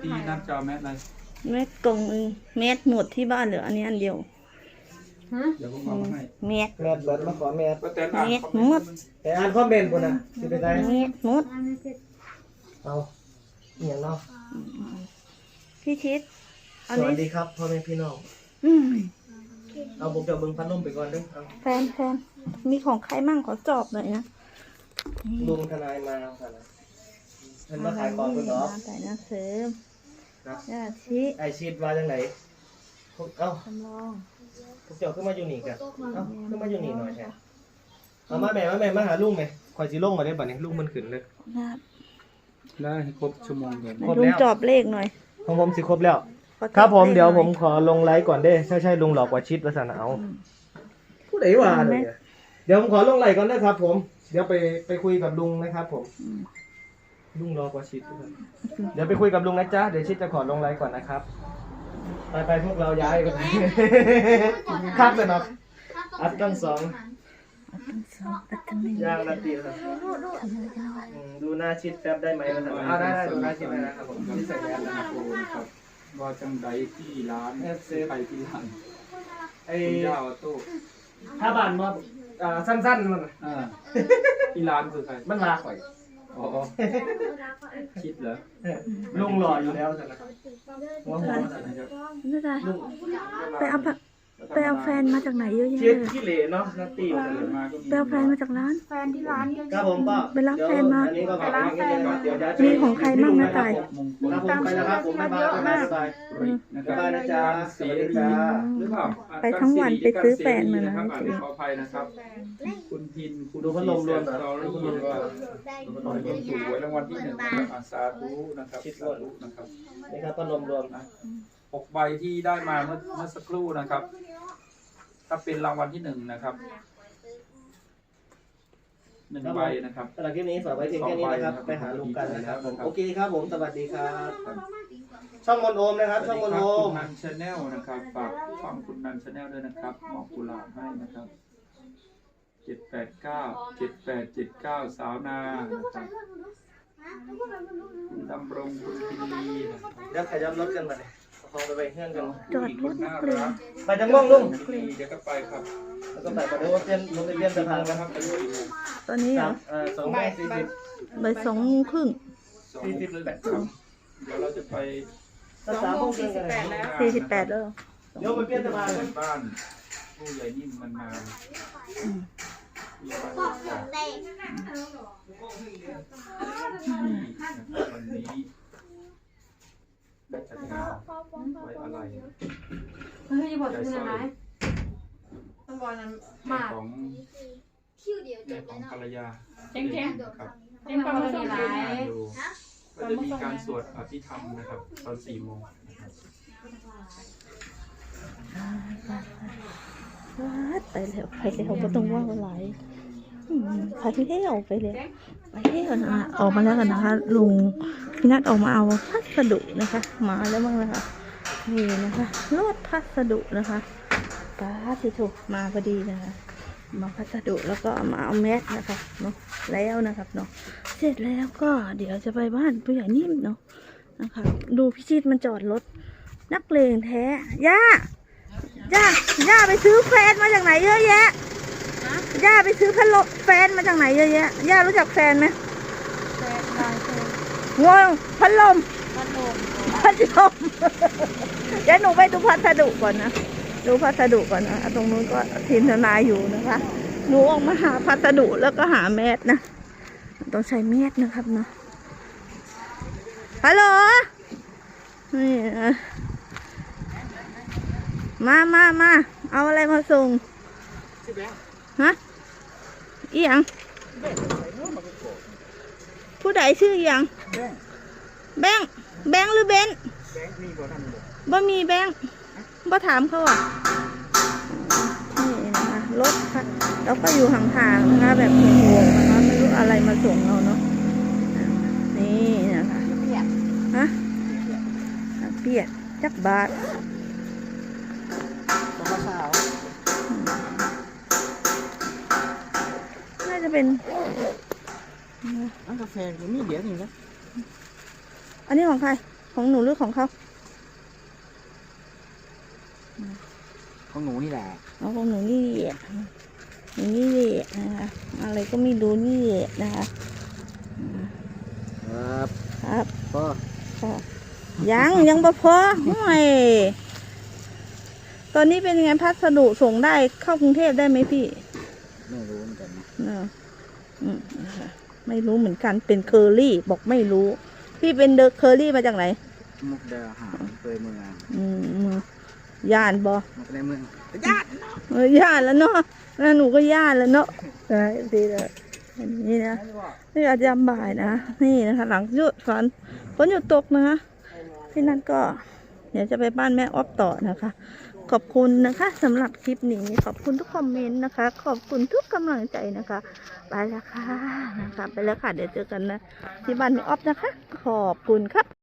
พี่นัดจะเอาแมสอะไรแมสกล่องนึงแมสหมดที่บ้านเหลืออันนี้อันเดียวเดี๋ยวผมเอามาให้แมสแมสเบิดมาขอแมสแต่อ่านคอมเมนต์แต่อ่านคอมเมนต์พุ่นน่ะสิไปได้แมสหมดเอาอีหยังเนาะพี่ชิดสวัสดีครับพ่อแม่พี่น้องเอาผมจะเบิ่งพัดลมไปก่อนเด้อเอาแฟนมีของใครมั่งขอจอบหน่อยนะลุงทนายมาค่ะนะเพิ่นมาขายของเพิ่นเนาะใส่หน้าเสริมย่าชิไอชีดว่าจังได๋เอ้าจำลองพวกเจ้าขึ้นมาอยู่นี่กันเอ้าขึ้นมาอยู่นี่หน่อยแท้เอามาแม่มาหาลุงแม่ข่อยสิลงมาได้บัดนี้ลุงมันขึ้นเลยได้ให้ครบชั่วโมงเดียวครบแล้วลุงจอบเลขหน่อยของผมสิครบแล้วครับผมเดี๋ยวผมขอลงไลฟ์ก่อนเด้ใช่ลุงหลอกว่าชิดว่าซั่นเอาผู้ใดว่าเนี่ยเดี๋ยวผมขอลงไลฟ์ก่อนนะครับผมเดี๋ยวไปคุยกับลุงนะครับผมลุงรอกว่าชิดเดี๋ยวไปคุยกับลุงนะจ๊ะเดี๋ยวชิดจะขอลงไลฟ์ก่อนนะครับไปพวกเราย้ายกันครับเลยเนาะอัดตั้งสองย่างนาทีครับดูหน้าชิดแป๊บได้ไหมนะครับได้ดูหน้าชิดได้นะครับผมที่ใส่แมสนะครับครับว่าจังใดที่ร้านไปที่ร้านไอ้ยาวตู้ถ้าบ้านมาสั้นๆมันที่ร้านคือใครมันลาข่อยอ๋อคิดเหรอลุงหล่ออยู่แล้วสินะหัวสินะครับไปเอาแฟนมาจากไหนเยอะแยะขี้เหร่เนาะนัตตี้ไปเอาแฟนมาจากร้านแฟนที่ร้านเยอะครับผมก็ไปรับแฟนมาไปรับแฟนมามีของใครบ้างนะตายครับผมไปแล้วครับผมบ๊ายบายนะครับนะจ๊ะสวัสดีจ้าหรือเปล่าไปทั้งวันไปซื้อแฟนมานะขออภัยนะครับคุณพินคุณดูพัดลมรวมนะดูพัดลมว่าถูกหวยรางวัลที่1นะครับสาธุนะครับสาธุนะครับนี่ครับพัดลมรวมนะ 6 ใบที่ได้มาเมื่อสักครู่นะครับถ้าเป็นรางวัลที่1นะครับ1 ใบนะครับสำหรับคลิปนี้ฝากไว้เพียงแค่นี้นะครับไปหาลุงกันนะครับผมโอเคครับผมสวัสดีครับช่องมนโอมนะครับช่องมนโอมนันชาแนลนะครับฝากฟังคุณนันชาแนลด้วยนะครับมอบกุหลาบให้นะครับ789 7879สาวนานะครับคุณดำรงคุณพินีเดี๋ยวขยับรถกันมาเลยพอไปเพื่อนกันจอดรถนักเรียนไปจังม่วงลุงเดี๋ยวก็ไปครับแล้วก็ไปเดี๋ยวเพื่อนลงไปเพื่อนสะพานนะครับตอนนี้เหรอ 2:40 บ่าย2:30 48ครับเดี๋ยวเราจะไป 3:48แล้วเดี๋ยวไปเพื่อนสะพานบ้านผู้ใหญ่นิ่มมันมาวันนี้ได้จัดงานไว้อะไรจะบอกคืออะไรต้องบอกนั้นมากของของภรรยาเจ๊งครับเจ๊งประมาณนี้ไรก็จะมีการสวดอภิธรรมนะครับตอน4 โมงนะครับไปแล้วก็ต้องว่าอะไรไปแล้วนะออกมาแล้วกันนะคะลุงพี่นัทออกมาเอาพัสดุนะคะมาแล้วบ้างนะคะนี่นะคะรถพัสดุนะคะป้าสิถูกมาพอดีนะคะมาพัสดุแล้วก็มาเอาแมสนะคะเนาะแล้วนะครับเนาะเสร็จแล้วก็เดี๋ยวจะไปบ้านผู้ใหญ่นิ่มเนาะนะคะดูพี่ชิดมันจอดรถนักเลงแท้ย่าไปซื้อแฟนมาจากไหนเยอะแยะย่าไปซื้อแฟนมาจากไหนเยอะแยะย่ารู้จักแฟนไหมงงพัดลมเดี๋ยวหนูไปดูพัสดุก่อนนะดูพัสดุก่อนนะตรงนู้นก็ทีมทนายอยู่นะคะหนูออกมาหาพัสดุแล้วก็หาแมสนะต้องใช้แมสนะครับเนาะฮัลโหลนี่มาเอาอะไรมาส่งฮะอีหยังผู้ใดชื่ออีหยังแบงค์หรือเบนบ่มีแบงค์บ่ถามเขาอ่ะนี่นะคะรถแล้วก็อยู่ห่างๆนะคะแบบห่วงๆนะคะไม่รู้อะไรมาส่งเราเนาะนี่นะคะฮะเปียกจักบาทน่าจะเป็นกาแฟก็มีเดี๋ยวนึงนะอันนี้ของใครของหนูหรือของเขาของหนูนี่แหละเอาของหนูนี่แหละหนูนี่แหละนะคะอะไรก็ไม่รู้นี่แหละนะคะครับครับก็ก็ยังบ่พอห่วยตอนนี้เป็นยังไงพัสดุส่งได้เข้ากรุงเทพได้ไหมพี่ไม่รู้เหมือนกันนะเนอะนะคะไม่รู้เหมือนกันเป็นเคอรี่บอกไม่รู้ พี่เป็นเดอะเคอรี่มาจากไหนมุกดาหารเคยเมืองย่านบอมุกในเมืองย่านแล้วเนาะแล้วหนูก็ย่านแล้วเนาะได้ดีเลยอันนี้นะนี่อาจจะบ่ายนะนี่นะคะ หลังหยุดฝนหยุดตกนะคะที่นั่นก็เดี๋ยวจะไปบ้านแม่ออฟต่อนะคะ ขอบคุณนะคะสำหรับคลิปนี้ขอบคุณทุกคอมเมนต์นะคะ ขอบคุณทุกกำลังใจนะคะไปแล้วค่ะนะคะไปแล้วค่ะเดี๋ยวเจอกันนะที่บ้านแม่ออฟนะคะ ขอบคุณครับ